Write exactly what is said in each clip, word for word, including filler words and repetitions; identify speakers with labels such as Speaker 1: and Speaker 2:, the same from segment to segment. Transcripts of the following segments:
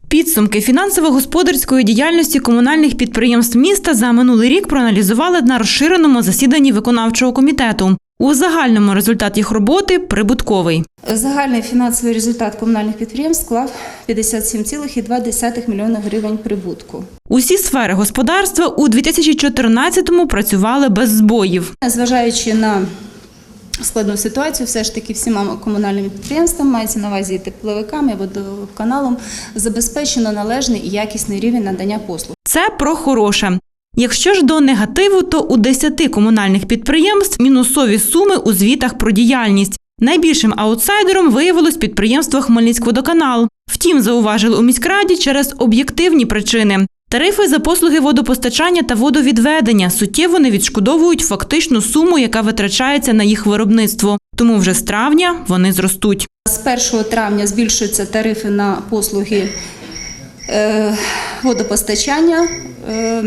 Speaker 1: Підсумки фінансово-господарської діяльності комунальних підприємств міста за минулий рік проаналізували на розширеному засіданні виконавчого комітету. У загальному результат їх роботи – прибутковий.
Speaker 2: Загальний фінансовий результат комунальних підприємств склав п'ятдесят сім цілих дві десятих мільйона гривень прибутку.
Speaker 1: Усі сфери господарства у дві тисячі чотирнадцятому працювали без збоїв.
Speaker 2: Зважаючи на складну ситуацію, все ж таки всіма комунальними підприємствами, мається на увазі і тепловиками, і водоканалом, забезпечено належний і якісний рівень надання послуг.
Speaker 1: Це про хороше. Якщо ж до негативу, то у десяти комунальних підприємств мінусові суми у звітах про діяльність. Найбільшим аутсайдером виявилось підприємство «Хмельницькводоканал». Втім, зауважили у міськраді через об'єктивні причини. Тарифи за послуги водопостачання та водовідведення суттєво не відшкодовують фактичну суму, яка витрачається на їх виробництво. Тому вже з травня вони зростуть.
Speaker 2: З першого травня збільшуються тарифи на послуги е, водопостачання. Е,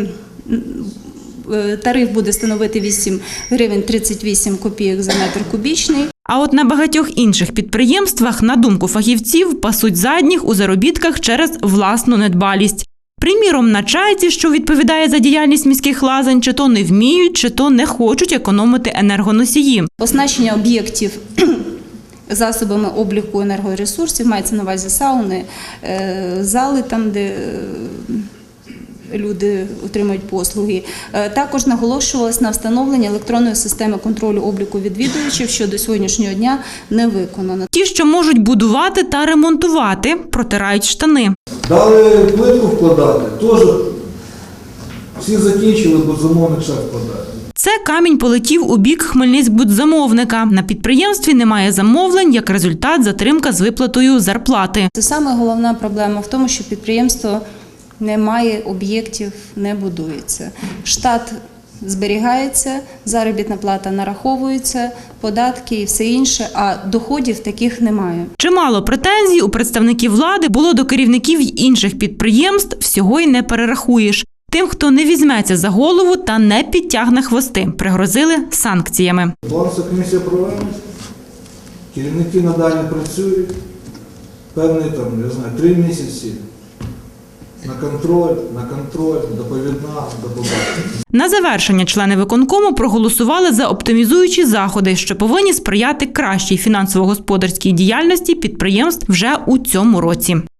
Speaker 2: Тариф буде становити вісім гривень тридцять вісім копійок за метр кубічний.
Speaker 1: А от на багатьох інших підприємствах, на думку фахівців, пасуть задніх у заробітках через власну недбалість. Приміром, на Чайці, що відповідає за діяльність міських лазень, чи то не вміють, чи то не хочуть економити енергоносії.
Speaker 2: Оснащення об'єктів засобами обліку енергоресурсів, мається на увазі сауни, зали, там, де люди отримують послуги. Також наголошувалось на встановлення електронної системи контролю обліку відвідувачів, що до сьогоднішнього дня не виконано.
Speaker 1: Ті, що можуть будувати та ремонтувати, протирають штани.
Speaker 3: Дали плитку вкладати, теж всі закінчили, бо замовник ще вкладає.
Speaker 1: Це камінь полетів у бік Хмельницькбудзамовника. На підприємстві немає замовлень, як результат – затримка з виплатою зарплати.
Speaker 2: Це саме головна проблема в тому, що підприємство немає об'єктів, не будується. Штат зберігається, заробітна плата нараховується, податки і все інше, а доходів таких немає.
Speaker 1: Чимало претензій у представників влади було до керівників інших підприємств, всього й не перерахуєш. Тим, хто не візьметься за голову та не підтягне хвости, пригрозили санкціями.
Speaker 3: Балансова комісія проведена, керівники надалі працюють, певний там, я знаю, три місяці. На контроль, на контроль, доповідна, доповідна.
Speaker 1: На завершення члени виконкому проголосували за оптимізуючі заходи, що повинні сприяти кращій фінансово-господарській діяльності підприємств вже у цьому році.